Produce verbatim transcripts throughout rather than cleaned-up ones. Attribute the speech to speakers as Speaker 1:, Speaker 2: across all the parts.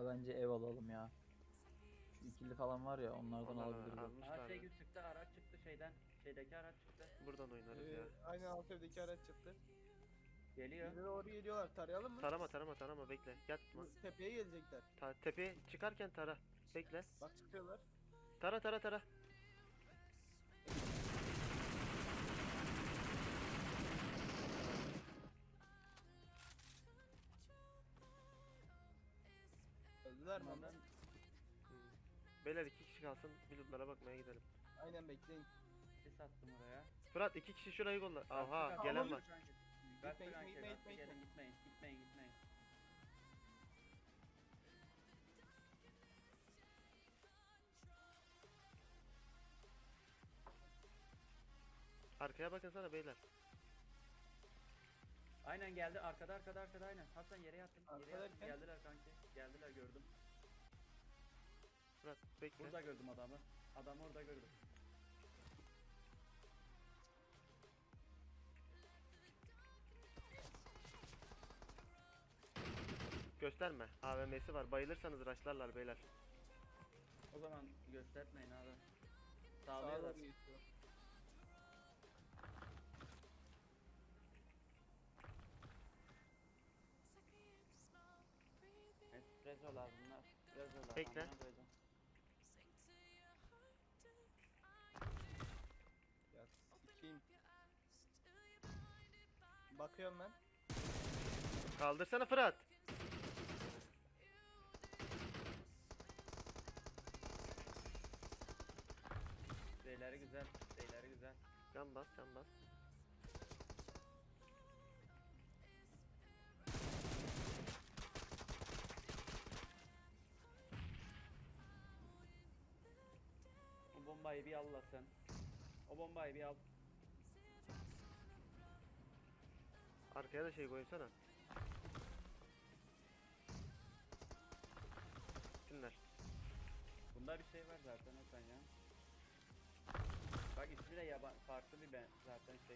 Speaker 1: Ha, bence ev alalım ya. Şu ikili falan var ya onlardan
Speaker 2: Onlar
Speaker 1: alabiliriz.
Speaker 2: almışlar
Speaker 3: Aha şey
Speaker 2: mı?
Speaker 3: çıktı, araç çıktı şeyden. Şeydeki araç çıktı.
Speaker 2: Buradan oynarız ya.
Speaker 4: Ee, aynen alt evdeki araç çıktı.
Speaker 3: Geliyor.
Speaker 4: Bize doğru geliyorlar. Tarayalım mı?
Speaker 2: Tarama tarama tarama bekle. Yatma.
Speaker 4: Bu tepeye gelecekler.
Speaker 2: Ta tepeye çıkarken tara. Bekle.
Speaker 4: Bak çıkıyorlar.
Speaker 2: Tara tara tara.
Speaker 4: Öldüler mi onlar?
Speaker 3: Onlardan
Speaker 2: Hmm. Beyler iki kişi kalsın. Bulutlara bakmaya gidelim.
Speaker 4: Aynen bekleyin.
Speaker 3: sis attım oraya.
Speaker 2: Fırat iki kişi şurayı kolla. Aha
Speaker 3: Gazete
Speaker 2: gelen
Speaker 3: kanki,
Speaker 2: var.
Speaker 3: Gazete
Speaker 4: Gitmeyin,
Speaker 3: kanki,
Speaker 4: gitmeyin,
Speaker 3: gazete
Speaker 4: gitmeyin.
Speaker 3: gelin gitmeyin. Gitmeyin gitmeyin.
Speaker 2: Arkaya bakın sana beyler.
Speaker 3: Aynen geldi arkada arkada arkada aynen. Hasan yere yattım. Yere
Speaker 4: Arkada
Speaker 3: yattım.
Speaker 4: derken?
Speaker 3: Geldiler kanki. Geldiler gördüm.
Speaker 2: Fırat bekle.
Speaker 3: Burada gördüm adamı. Adamı orada gördüm.
Speaker 2: Gösterme. A V M'si var. Bayılırsanız raşlarlar beyler.
Speaker 3: O zaman göstermeyin abi.
Speaker 4: Sağa
Speaker 3: Sağlıyorlar.
Speaker 4: doğru geçiyor.
Speaker 3: Espressolar bunlar. Espressolar.
Speaker 2: Bekle.
Speaker 3: amına koydum.
Speaker 4: Ya sikeyim. Bakıyorum ben.
Speaker 2: Kaldırsana Fırat.
Speaker 3: Şeyleri güzel. Şeyleri güzel.
Speaker 2: Can bas can bas.
Speaker 3: O bombayı bir al la sen. O bombayı bir al.
Speaker 2: Arkaya da şey koysana. Dinler.
Speaker 3: Bunda bir şey var zaten Hasan ya. Bak ismi de yaban farklı bir ben zaten şey.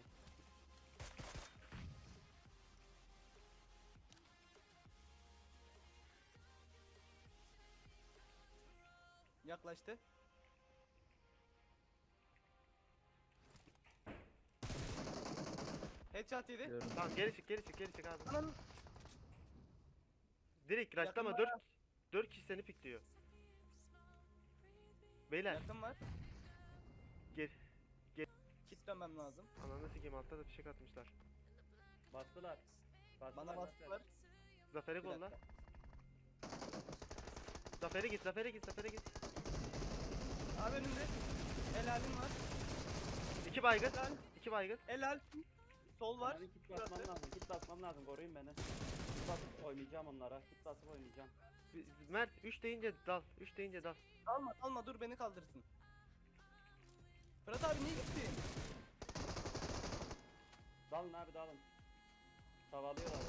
Speaker 4: Yaklaştı. Headshot yedi.
Speaker 1: Diyorum.
Speaker 2: Tamam geri çık geri çık geri çık abi.
Speaker 4: Anam.
Speaker 2: Direkt raşlama
Speaker 4: Yakın
Speaker 2: dört dört kişi seni pikliyor. Beyler
Speaker 4: Yakın var.
Speaker 2: gel.
Speaker 4: Kit dönmem lazım.
Speaker 2: Ananı sikeyim altta da fişek atmışlar.
Speaker 3: Bastılar. Bastılar.
Speaker 4: Bana bastılar.
Speaker 2: Zafer'i
Speaker 4: Bir
Speaker 2: kolla.
Speaker 4: dakika.
Speaker 2: Zafer'e git Zafer'e git Zafer'e git.
Speaker 4: Abi önümde. Helalim var.
Speaker 2: İki baygın.
Speaker 4: Helal.
Speaker 2: İki baygın.
Speaker 4: Helal. Sol var.
Speaker 3: Bana bir kit basmam
Speaker 4: Burası.
Speaker 3: lazım. Kit basmam lazım. Koruyun beni. Kit basıp oynayacağım onlara. Kit basıp oynayacağım.
Speaker 2: Mert üç deyince dal. üç deyince dal.
Speaker 4: Alma alma dur beni kaldırsın. Fırat abi niye gittin?
Speaker 3: Dalın abi dalın. Savalıyorlar.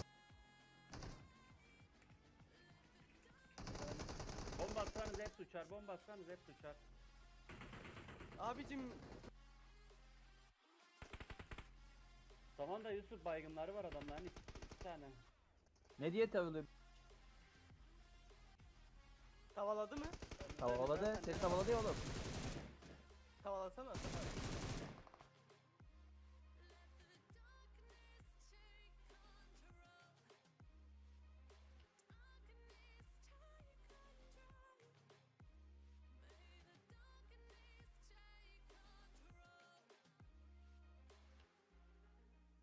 Speaker 3: Bomba atsanız hep uçar. Bomba atsanız hep uçar.
Speaker 4: Abicim
Speaker 3: Tamam da Yusuf baygınları var adamların iki, iki tane.
Speaker 1: Ne diye tavlıyor?
Speaker 4: tavaladı mı?
Speaker 1: Tavaladı. Seni tavaladı ya oğlum.
Speaker 4: Tavalasana.